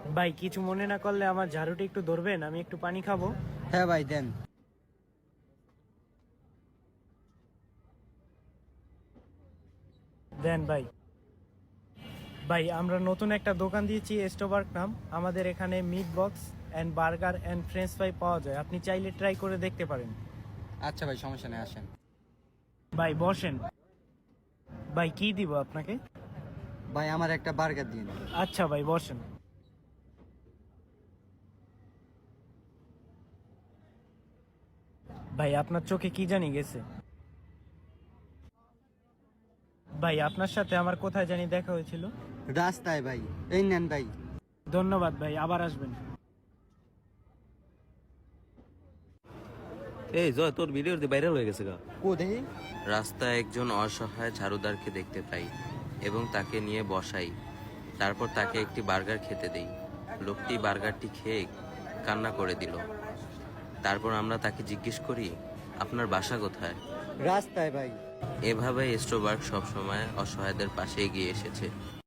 ভাই কিছু মনে না করলে আমার ঝাড়ুটা একটু ধরবেন, আমি একটু পানি খাবো। হ্যাঁ ভাই দেন। দেন ভাই। ভাই আমরা নতুন একটা দোকান দিয়েছি, স্টোবার্গ নাম। আমাদের এখানে meat box and burger and french fry পাওয়া যায়, আপনি চাইলে ট্রাই করে দেখতে পারেন। আচ্ছা ভাই, সমস্যা নেই, আসেন। ভাই বসেন। ভাই কি দিব আপনাকে? ভাই আমার একটা বার্গার দিন। আচ্ছা ভাই বসেন। ভাই আপনার চোখে কি জানি গেছে? ভাই আপনার সাথে আমার কোথায় জানি দেখা হয়েছিল। রাস্তায় ভাই। এই নেন ভাই। ধন্যবাদ ভাই, আবার আসবেন। এই জয়, তোর ভিডিও ভাইরাল হয়ে গেছে গা। ও দেখি। রাস্তায় একজন অসহায় ঝাড়ুদারকে দেখতে পাই এবং তাকে নিয়ে বসাই। তারপর তাকে একটি বার্গার খেতে দেই। লোকটি বার্গারটি খেয়ে কান্না করে দিল। তারপর আমরা তাকে জিজ্ঞেস করি, আপনার বাসা কোথায়? রাস্তায় ভাই। এভাবে স্টোবার্গ সবসময় অসহায়দের পাশে এগিয়ে এসেছে।